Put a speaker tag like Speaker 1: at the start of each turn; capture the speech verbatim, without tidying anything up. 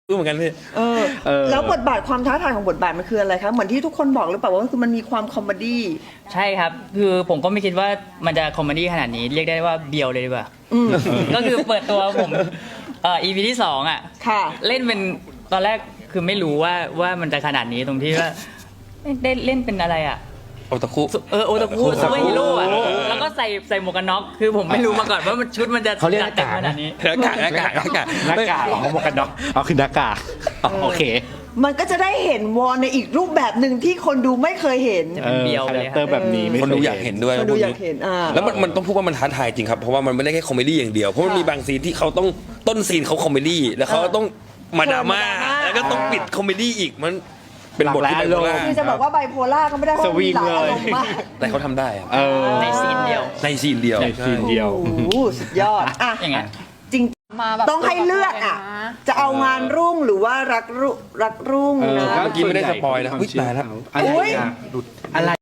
Speaker 1: รู้เหมือนกันพี่
Speaker 2: เออแล้วบทบาทความท้าทายของบทบาทมันคืออะไรคะเหมือนที่ทุกคนบอกหรือเปล่าว่าคือมันมีความคอมเมดี้
Speaker 3: ใช่ครับคือผมก็ไม่คิดว่ามันจะคอมเมดี้ขนาดนี้เรียกได้ว่าเบียวเลยดีกว่าก็คือเปิดตัวผมเอ่อ อี พี ที่สองอ่ะเล่นเป็นตอนแรกคือไม่รู้ว่าว่ามันจะขนาดนี้ตรงที่ว่าได้เล่นเป็นอะไรอ่ะ
Speaker 1: โอตาคุ
Speaker 3: เออโอตาคุซูเปอร์ฮีโร่อะแล้วก็ใส่ใส่หมวกกันน็อกคือผมไม่รู้มาก่อนว่ามันชุดมันจะ
Speaker 4: เขาเรียกห
Speaker 3: จั
Speaker 4: น้ากาก
Speaker 3: ขนาดนี้
Speaker 1: หน้ากากหน้ากากหน้ากาก
Speaker 4: หน้ากากของหมวกกันน็อกอ๋อคือหน้ากากโอเค
Speaker 2: มันก็จะได้เห็นวอนในอีกรูปแบบหนึ่งที่คนดูไม่เคยเห็น
Speaker 3: เออเบียวเลย
Speaker 4: คาแรคเตอร์แบบนี้
Speaker 1: คนดูอยากเห็นด้วย
Speaker 2: คนดูอยากเห็นอ่า
Speaker 1: แล้วมันมันต้องพูดว่ามันท้าทายจริงครับเพราะว่ามันไม่ได้แค่คอมเมดี้อย่างเดียวเพราะมันมีบางซีนที่เขาต้องต้นซีนเขาคอมเมดี้แล้วเขาต้องมาดราม่าแล้วก็ต้องปิดคอมเมดี้อีกมันเป็นบทที่ไบโพล่า
Speaker 2: คือจะบอกว่าไบโพล่าก็ไม่ได้เพราะมีหลายอารมณ์มาก
Speaker 1: แต่เขาทำได้
Speaker 3: ในซีนเดียว
Speaker 1: ในซีนเดียว
Speaker 4: ในซีนเดียว
Speaker 2: โอ้โหสุดยอดอ่ะ
Speaker 3: อย่างเงี้ย
Speaker 2: จริงต้องให้เลือกอ่ะจะเอางานรุ่งหรือว่ารักรุ่งรักรุ่งนะ
Speaker 1: เมื่อกี้ไม่ได้สปอยนะอุ๊ยตายแล้ว
Speaker 4: อะไร